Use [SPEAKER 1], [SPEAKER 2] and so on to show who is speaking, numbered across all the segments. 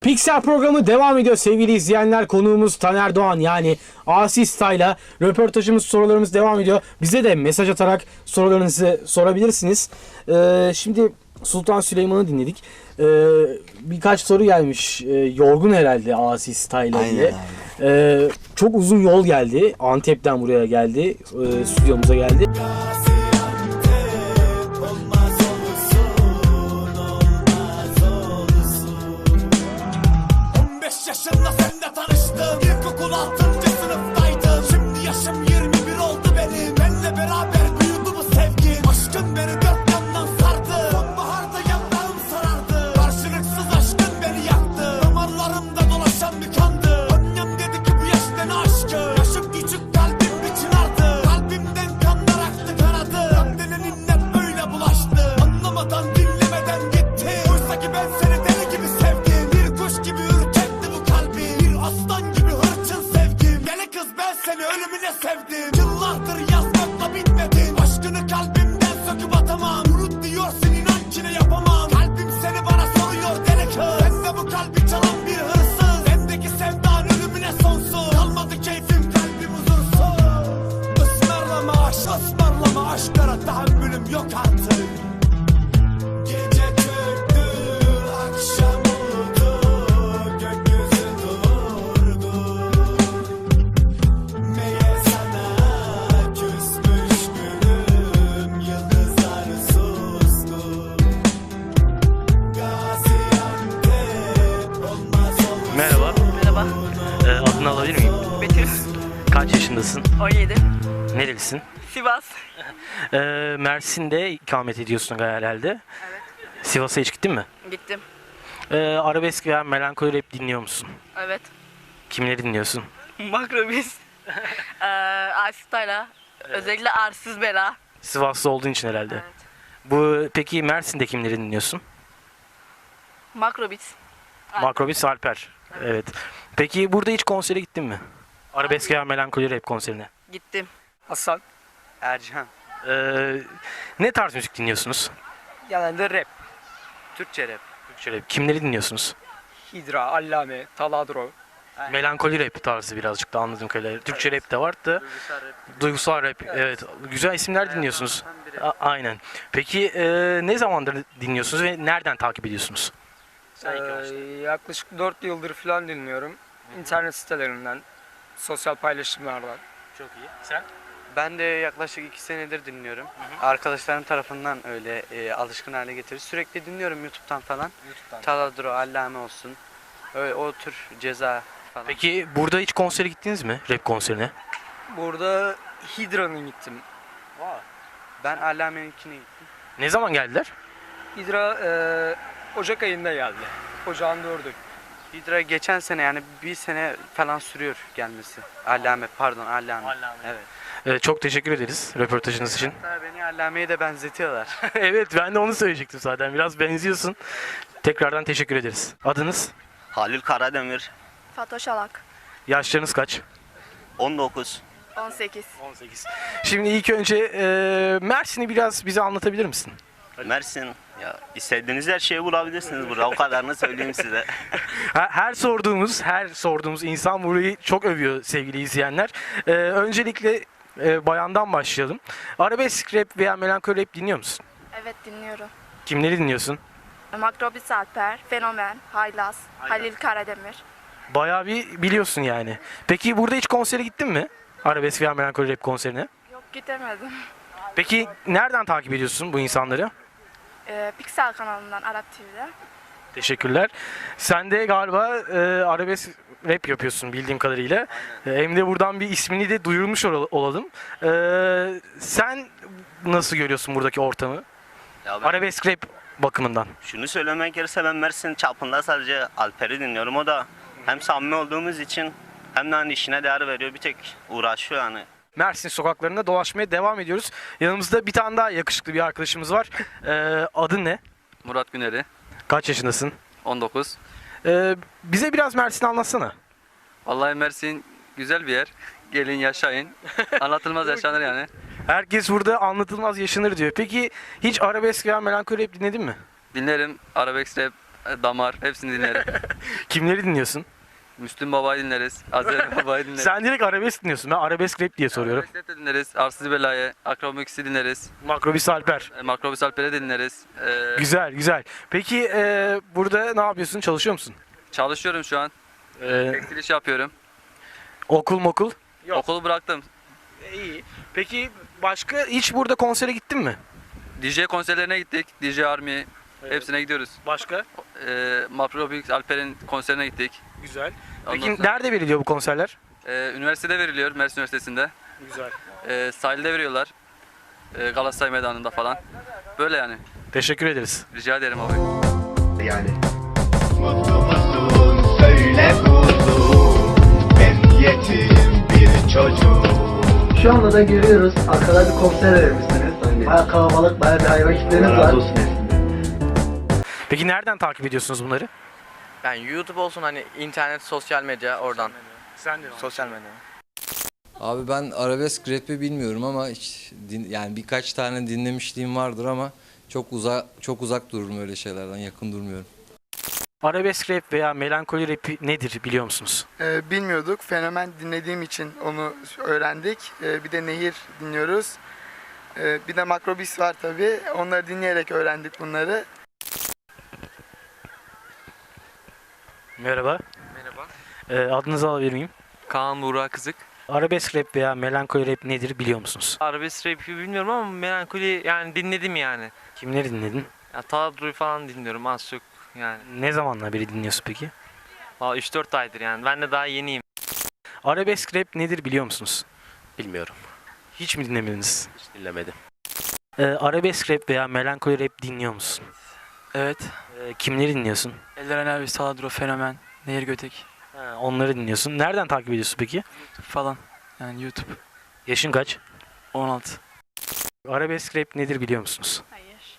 [SPEAKER 1] Pixel programı devam ediyor sevgili izleyenler. Konuğumuz Taner Doğan, yani Asi Style'la röportajımız, sorularımız devam ediyor. Bize de mesaj atarak sorularınızı sorabilirsiniz. Şimdi Sultan Süleyman'ı dinledik. Birkaç soru gelmiş. Yorgun herhalde Asi Style'la diye. Çok uzun yol geldi. Antep'ten buraya geldi. Stüdyomuza geldi.
[SPEAKER 2] 15 yaşında seninle tanıştım. İlkokul 6. sınıftaydım. Şimdi yaşım 21 oldu benim. Benle beraber büyüdü bu sevgi. Aşkın beni dört yandan sardı. Sonbaharda yanlarım sarardı. Karşılıksız aşkın beni yaktı. Damarlarımda dolaşan bir kandı. Annem dedi ki bu yaşta ne aşkı. Yaşım küçük, kalbim bir çınardı. Kalbimden kanlar aktı, kanadı. Kan denen inlet böyle bulaştı. Anlamadan dinlemeden gitti. Oysa ki ben seni deli gibi sevdim. Bir kuş gibi ürkekti bu kalbi. Bir aslan gibi hırçın sevgim. Deli kız, ben seni ölümüne sevdim. Yıllardır yazmakla bitmedin. Aşkını kalbimden söküp atamam. Unut diyorsun, inan ki ne yapamam. Kalbim seni bana soruyor deli kız. Ben de bu kalbi çalan bir hırsız. Bendeki sevdan ölümüne sonsuz. Kalmadı keyfim, kalbim huzursuz. Ismarlama aşklara tahammülüm yok artık. Gece çöktü, akşam oldu, gökyüzü durdu. Meğer sana küsmüş gülüm, yıldızlar sustu. Gaziantep olmaz olur.
[SPEAKER 3] Merhaba,
[SPEAKER 4] Merhaba,
[SPEAKER 3] adını alabilir miyim?
[SPEAKER 4] Betül,
[SPEAKER 3] Kaç yaşındasın?
[SPEAKER 4] 17,
[SPEAKER 3] Nerelisin?
[SPEAKER 4] Sivas.
[SPEAKER 3] Mersin'de ikamet ediyorsun herhalde.
[SPEAKER 4] Evet.
[SPEAKER 3] Sivas'a hiç gittin mi?
[SPEAKER 4] Gittim.
[SPEAKER 3] Arabesk veya melankoli rap dinliyor musun?
[SPEAKER 4] Evet.
[SPEAKER 3] Kimleri dinliyorsun?
[SPEAKER 4] Makrobis. Asitayla. Özellikle Arsız Bela.
[SPEAKER 3] Sivaslı olduğun için herhalde.
[SPEAKER 4] Evet.
[SPEAKER 3] Peki Mersin'de kimleri dinliyorsun?
[SPEAKER 4] Makrobis.
[SPEAKER 3] Makrobis Alper. Evet. Peki burada hiç konsere gittin mi? Arabesk veya melankoli rap konserine.
[SPEAKER 4] Gittim.
[SPEAKER 5] Hasan,
[SPEAKER 6] Ercan.
[SPEAKER 3] Ne tarz müzik dinliyorsunuz?
[SPEAKER 5] genelde rap,
[SPEAKER 6] Türkçe rap.
[SPEAKER 3] Türkçe rap. Kimleri dinliyorsunuz?
[SPEAKER 5] Hidra, Allame, Taladro.
[SPEAKER 3] Melankoli rap tarzı birazcık da anladığım kadarıyla. Türkçe rap de var da.
[SPEAKER 6] Duygusal rap.
[SPEAKER 3] Duygusal rap. Evet. Güzel isimler dinliyorsunuz. Aynen. Peki ne zamandır dinliyorsunuz ve nereden takip ediyorsunuz?
[SPEAKER 5] Yaklaşık 4 yıldır falan dinliyorum. İnternet sitelerinden, sosyal paylaşımlardan.
[SPEAKER 3] Çok iyi. Sen?
[SPEAKER 6] Ben de yaklaşık 2 senedir dinliyorum. Arkadaşlarım tarafından öyle alışkın hale getirdi. Sürekli dinliyorum YouTube'dan falan. Taladro, Allame olsun. Öyle, o tür Ceza falan.
[SPEAKER 3] Peki burada hiç konsere gittiniz mi? Rap konserine?
[SPEAKER 5] Burada Hidra'nın gittim.
[SPEAKER 6] Ben Allame'ninkine gittim.
[SPEAKER 3] Ne zaman geldiler?
[SPEAKER 5] Hidra Ocak ayında geldi. Ocağın 4'ü.
[SPEAKER 6] Hidra geçen sene, yani bir sene falan sürüyor gelmesi. Allame. Evet.
[SPEAKER 3] Çok teşekkür ederiz röportajınız için.
[SPEAKER 6] Hatta beni Allame'ye de benzetiyorlar.
[SPEAKER 3] Evet, ben de onu söyleyecektim zaten. Biraz benziyorsun. Tekrardan teşekkür ederiz. Adınız?
[SPEAKER 7] Halil Karademir,
[SPEAKER 4] Fatoş Alak.
[SPEAKER 3] Yaşlarınız kaç?
[SPEAKER 7] 19.
[SPEAKER 4] 18.
[SPEAKER 3] 18. Şimdi ilk önce Mersin'i biraz bize anlatabilir misin?
[SPEAKER 7] Mersin. Ya istediğiniz her şeyi bulabilirsiniz burada. O kadarını söyleyeyim size.
[SPEAKER 3] Her sorduğumuz insan burayı çok övüyor sevgili izleyenler. Öncelikle bayandan başlayalım. Arabesk rap veya melankoli rap dinliyor musun?
[SPEAKER 4] Evet, dinliyorum.
[SPEAKER 3] Kimleri dinliyorsun?
[SPEAKER 4] Makrobis Alper, Fenomen, Haylaz, Halil Karademir.
[SPEAKER 3] Bayağı bir biliyorsun yani. Peki burada hiç konsere gittin mi? Arabesk veya melankoli rap konserine.
[SPEAKER 4] Yok, gidemedim.
[SPEAKER 3] Peki nereden takip ediyorsun bu insanları?
[SPEAKER 4] Pixel kanalından, Arap TV'de.
[SPEAKER 3] Teşekkürler. Sen de galiba arabesk rap yapıyorsun bildiğim kadarıyla. Hem de buradan bir ismini de duyurmuş olalım. Sen nasıl görüyorsun buradaki ortamı?
[SPEAKER 7] Ya ben
[SPEAKER 3] Arabesk rap bakımından.
[SPEAKER 7] şunu söylemek gerekirse ben Mersin çapında sadece Alper'i dinliyorum. O da hem samimi olduğumuz için hem de hani işine değer veriyor. Bir tek uğraşıyor yani.
[SPEAKER 3] Mersin sokaklarında dolaşmaya devam ediyoruz. Yanımızda bir tane daha yakışıklı bir arkadaşımız var. Adın ne?
[SPEAKER 8] Murat Güneri,
[SPEAKER 3] Kaç yaşındasın?
[SPEAKER 8] 19.
[SPEAKER 3] Bize biraz Mersin'i anlatsana.
[SPEAKER 8] Vallahi Mersin güzel bir yer. Gelin yaşayın. Anlatılmaz yaşanır yani.
[SPEAKER 3] Herkes burada anlatılmaz yaşanır diyor. Peki hiç arabesk veya melankoli rap dinledin mi?
[SPEAKER 8] Dinlerim, arabesk rap, Damar hepsini dinlerim.
[SPEAKER 3] Kimleri dinliyorsun?
[SPEAKER 8] Müslüm Baba'yı dinleriz. Azeri Baba'yı dinleriz.
[SPEAKER 3] Sen direkt arabesk dinliyorsun. Ben arabesk rap diye soruyorum.
[SPEAKER 8] Arabesk de dinleriz. Arsız Bela'yı, Akromix'i dinleriz.
[SPEAKER 3] Makrobis Alper.
[SPEAKER 8] Makrobüs Alper'i de dinleriz.
[SPEAKER 3] Güzel güzel. Peki burada ne yapıyorsun? Çalışıyor musun?
[SPEAKER 8] Çalışıyorum şu an.
[SPEAKER 3] E,
[SPEAKER 8] Tekstil iş yapıyorum.
[SPEAKER 3] okul mokul? Yok.
[SPEAKER 8] Okulu bıraktım.
[SPEAKER 3] İyi. Peki başka hiç burada konsere gittin mi?
[SPEAKER 8] DJ konserlerine gittik. DJ Army. Hepsine gidiyoruz.
[SPEAKER 3] Başka?
[SPEAKER 8] Makrobüs Alper'in konserine gittik.
[SPEAKER 3] Güzel.
[SPEAKER 8] Ondan
[SPEAKER 3] Peki
[SPEAKER 8] sonra-
[SPEAKER 3] nerede veriliyor bu konserler?
[SPEAKER 8] Üniversitede veriliyor. Mersin Üniversitesi'nde.
[SPEAKER 3] Güzel.
[SPEAKER 8] Sahilde veriyorlar. Galatasaray Meydanı'nda falan. Böyle yani.
[SPEAKER 3] Teşekkür ederiz.
[SPEAKER 8] Rica ederim abi.
[SPEAKER 2] Mutlu musun söyle kuzum, ben yetim bir çocuk.
[SPEAKER 9] Şu anda da görüyoruz. Arkada bir konser vermişsiniz. Bayağı kalabalık, bayağı bir hayran kitleniz var.
[SPEAKER 3] Peki nereden takip ediyorsunuz bunları?
[SPEAKER 10] Yani YouTube olsun hani internet, sosyal medya oradan.
[SPEAKER 3] Sen de.
[SPEAKER 10] Sosyal medya.
[SPEAKER 11] Abi ben arabesk rap'i bilmiyorum ama hiç yani birkaç tane dinlemişliğim vardır ama çok uzak dururum öyle şeylerden, yakın durmuyorum.
[SPEAKER 3] Arabesk rap veya melankoli rap nedir biliyor musunuz?
[SPEAKER 12] Bilmiyorduk. Fenomen dinlediğim için onu öğrendik. Bir de Nehir dinliyoruz. Bir de Makrobis var tabii. Onları dinleyerek öğrendik bunları.
[SPEAKER 3] Merhaba.
[SPEAKER 10] Merhaba.
[SPEAKER 3] Adınızı alabilir miyim?
[SPEAKER 10] Kaan Buğra Kızık.
[SPEAKER 3] Arabesk rap veya melankoli rap nedir biliyor musunuz?
[SPEAKER 10] Arabesk rap'i bilmiyorum ama melankoli yani dinledim yani.
[SPEAKER 3] Kimleri dinledin?
[SPEAKER 10] Ya Taladro'yu falan dinliyorum az çok yani.
[SPEAKER 3] Ne zamanla beri dinliyorsun peki?
[SPEAKER 10] Valla 3-4 aydır yani. Ben de daha yeniyim.
[SPEAKER 3] Arabesk rap nedir biliyor musunuz?
[SPEAKER 13] Bilmiyorum.
[SPEAKER 3] Hiç mi dinlemediniz?
[SPEAKER 13] Hiç dinlemedim.
[SPEAKER 3] Arabesk rap veya melankoli rap dinliyor musun?
[SPEAKER 10] Evet.
[SPEAKER 3] Kimleri dinliyorsun?
[SPEAKER 10] Eren abi, Taladro, Fenomen, Nehir Götek
[SPEAKER 3] Onları dinliyorsun. Nereden takip ediyorsun peki?
[SPEAKER 10] falan. Yani YouTube.
[SPEAKER 3] Yaşın kaç?
[SPEAKER 10] 16.
[SPEAKER 3] Arabesk rap nedir biliyor musunuz?
[SPEAKER 4] Hayır.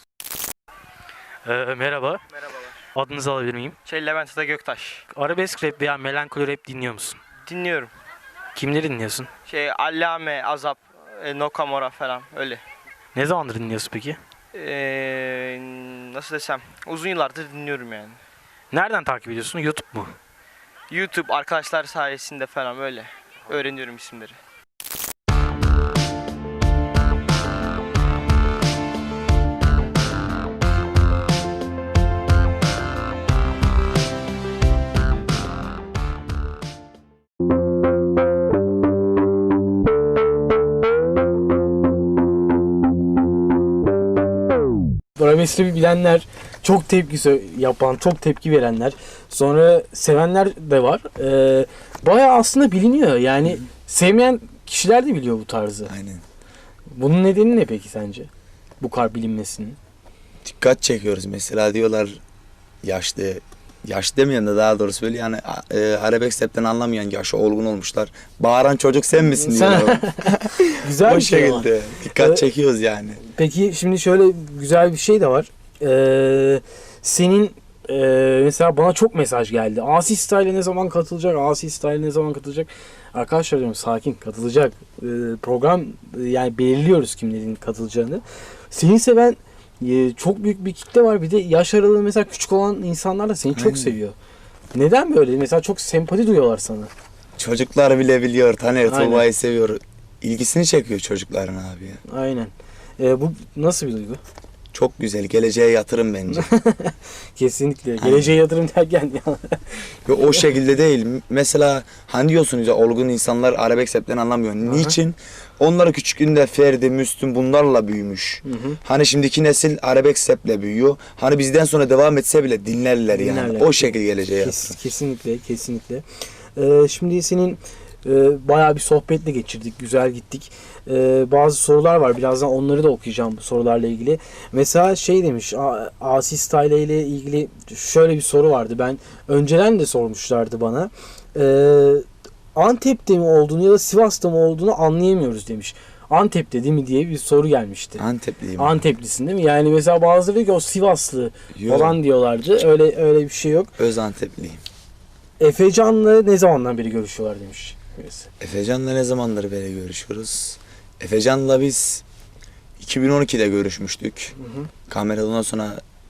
[SPEAKER 3] Merhaba.
[SPEAKER 5] Merhabalar.
[SPEAKER 3] Adınızı alabilir miyim?
[SPEAKER 5] Levent Ata Göktaş.
[SPEAKER 3] Arabesk rap veya melankoli rap dinliyor musun?
[SPEAKER 5] Dinliyorum.
[SPEAKER 3] Kimleri dinliyorsun?
[SPEAKER 5] Allame, Azap, Nokamora falan öyle.
[SPEAKER 3] Ne zamandır dinliyorsun peki?
[SPEAKER 5] Nasıl desem uzun yıllardır dinliyorum yani.
[SPEAKER 3] Nereden takip ediyorsun? YouTube mu?
[SPEAKER 5] YouTube arkadaşlar sayesinde falan öyle öğreniyorum isimleri.
[SPEAKER 1] Arabesk rap'i bilenler, çok yapan, çok tepki verenler, sonra sevenler de var. Bayağı aslında biliniyor. Yani sevmeyen kişiler de biliyor bu tarzı.
[SPEAKER 14] Aynen.
[SPEAKER 1] Bunun nedeni ne peki sence? Bu kadar bilinmesinin.
[SPEAKER 14] Dikkat çekiyoruz mesela diyorlar yaşlı demeyen de daha doğrusu böyle yani arabesk rapten anlamayan yaşı olgun olmuşlar. Bağıran çocuk sen misin diyorlar.
[SPEAKER 1] Güzel
[SPEAKER 14] o
[SPEAKER 1] bir şey ama.
[SPEAKER 14] şekilde dikkat çekiyoruz yani.
[SPEAKER 1] Peki şimdi şöyle güzel bir şey de var. Senin mesela bana çok mesaj geldi. Asi Style'e ne zaman katılacak? Asi Style'e ne zaman katılacak? Arkadaşlar diyorum sakin, katılacak. Program yani belirliyoruz kimlerin katılacağını. Seni seven çok büyük bir kitle var. Bir de yaş aralığı mesela küçük olan insanlar da seni çok
[SPEAKER 14] Aynen.
[SPEAKER 1] seviyor. Neden böyle? Mesela çok sempati duyuyorlar sana.
[SPEAKER 14] Çocuklar bile biliyor. Taner
[SPEAKER 1] Aynen.
[SPEAKER 14] Tuğba'yı seviyor. İlgisini çekiyor çocukların abi ya.
[SPEAKER 1] Aynen. Bu nasıl bir duygu?
[SPEAKER 14] Çok güzel. Geleceğe yatırım bence.
[SPEAKER 1] Kesinlikle. Geleceğe yatırım derken ya.
[SPEAKER 14] Ve o şekilde değil. Mesela hani diyorsunuz ya olgun insanlar arabesk rapten anlamıyor. Niçin? Onları küçüklüğünde Ferdi, Müslüm bunlarla büyümüş. Hani şimdiki nesil arabesk raple büyüyor. Hani bizden sonra devam etse bile dinlerler yani.
[SPEAKER 1] Dinlerler.
[SPEAKER 14] O şekilde geleceğe yatırım.
[SPEAKER 1] Kesinlikle. Şimdi senin bayağı bir sohbetle geçirdik. Güzel gittik. Bazı sorular var. Birazdan onları da okuyacağım bu sorularla ilgili. Mesela şey demiş. Asi Style ile ilgili şöyle bir soru vardı. Ben önceden de sormuşlardı bana. Antep'te mi olduğunu ya da Sivas'ta mı olduğunu anlayamıyoruz demiş. Antep'te değil mi diye bir soru gelmişti.
[SPEAKER 14] Antepliyim.
[SPEAKER 1] Anteplisin değil mi? Yani mesela bazıları diyor ki o Sivaslı
[SPEAKER 14] Yok.
[SPEAKER 1] falan diyorlardı. Öyle bir şey yok.
[SPEAKER 14] Öz Antepliyim.
[SPEAKER 1] Efecan'la ne zamandan beri görüşüyorlar demiş. birisi.
[SPEAKER 14] Efecan'la ne zamandır beri görüşüyoruz? Efecan'la biz 2012'de görüşmüştük. Kameradan sonra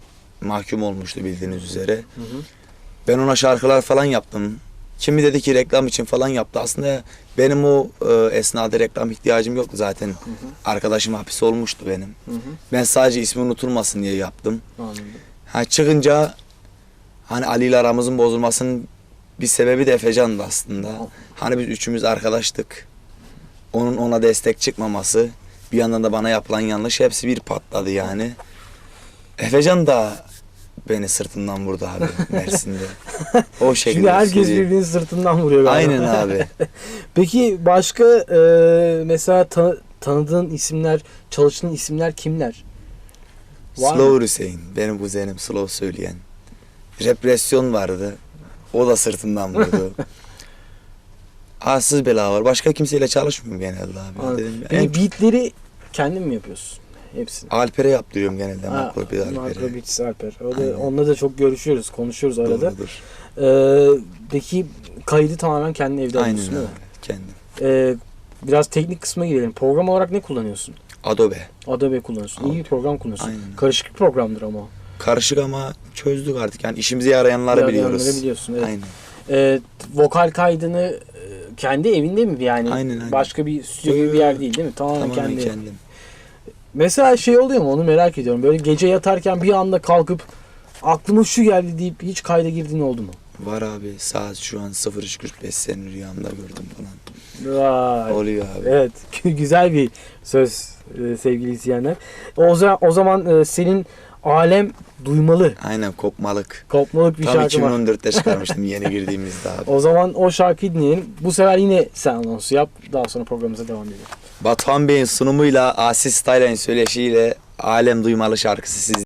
[SPEAKER 14] mahkum olmuştu bildiğiniz üzere. Ben ona şarkılar falan yaptım. Kimi dedi ki reklam için falan yaptı. Aslında benim o esnada reklam ihtiyacım yoktu zaten. Arkadaşım hapis olmuştu benim. Ben sadece ismi unutulmasın diye yaptım.
[SPEAKER 1] Anladım.
[SPEAKER 14] Ha, çıkınca hani Ali ile aramızın bozulmasının bir sebebi de Efecan'dı aslında. Hani biz üçümüz arkadaştık. Onun ona destek çıkmaması, bir yandan da bana yapılan yanlış, hepsi bir patladı yani. Efecan da beni sırtından vurdu abi Mersin'de. O şekilde.
[SPEAKER 1] Şimdi herkes
[SPEAKER 14] söyleyeyim.
[SPEAKER 1] birbirini sırtından vuruyor galiba.
[SPEAKER 14] Aynen abi.
[SPEAKER 1] Peki başka mesela tanıdığın isimler, çalıştığın isimler kimler? Var mı?
[SPEAKER 14] Slow Hüseyin, benim kuzenim Slow söyleyen. Represyon vardı. O da sırtından vurdu. Arsız bela var. Başka kimseyle çalışmıyorum genelde abi.
[SPEAKER 1] Anladım.
[SPEAKER 14] Dedim,
[SPEAKER 1] Peki beatleri kendin mi yapıyorsun? Hepsini.
[SPEAKER 14] Alper'e yaptırıyorum genelde.
[SPEAKER 1] Ha,
[SPEAKER 14] Makro bir Alper'e.
[SPEAKER 1] Makro Beats Alper.
[SPEAKER 14] Aynen.
[SPEAKER 1] Onunla da çok görüşüyoruz, konuşuyoruz arada.
[SPEAKER 14] Doğrudur.
[SPEAKER 1] Peki kaydı tamamen kendi evde
[SPEAKER 14] Aynen
[SPEAKER 1] yapıyorsun değil mi?
[SPEAKER 14] abi. Kendim.
[SPEAKER 1] Biraz teknik kısma girelim. Program olarak ne kullanıyorsun?
[SPEAKER 14] Adobe.
[SPEAKER 1] Adobe kullanıyorsun. İyi bir program kullanıyorsun.
[SPEAKER 14] Aynen.
[SPEAKER 1] Karışık bir programdır ama.
[SPEAKER 14] Karışık ama çözdük artık. Yani işimize yarayanları biliyoruz.
[SPEAKER 1] Biliyorsun, evet.
[SPEAKER 14] Aynen.
[SPEAKER 1] Vokal kaydını kendi evinde mi yani?
[SPEAKER 14] Aynen.
[SPEAKER 1] Başka bir stüdyo gibi bir yer değil değil mi? Tamamen
[SPEAKER 14] Tamamen
[SPEAKER 1] kendi.
[SPEAKER 14] kendim.
[SPEAKER 1] Mesela şey oluyor mu, onu merak ediyorum. Böyle gece yatarken bir anda kalkıp aklıma şu geldi deyip hiç kayda girdiğin oldu mu?
[SPEAKER 14] Var abi. Saat şu an 03.45, seni rüyamda gördüm falan.
[SPEAKER 1] Vay.
[SPEAKER 14] Oluyor abi.
[SPEAKER 1] Evet. Güzel bir söz sevgili izleyenler. O zaman senin Alem Duymalı.
[SPEAKER 14] Aynen, kopmalık.
[SPEAKER 1] Kopmalık bir
[SPEAKER 14] Tam
[SPEAKER 1] şarkı var.
[SPEAKER 14] 2014'te çıkarmıştım yeni girdiğimizde abi.
[SPEAKER 1] O zaman o şarkıyı dinleyelim. Bu sefer yine sen anonsu yap. Daha sonra programımıza devam edelim.
[SPEAKER 14] Batuhan Bey'in sunumuyla, Asis Style'ın söyleşiyle Alem Duymalı şarkısı siz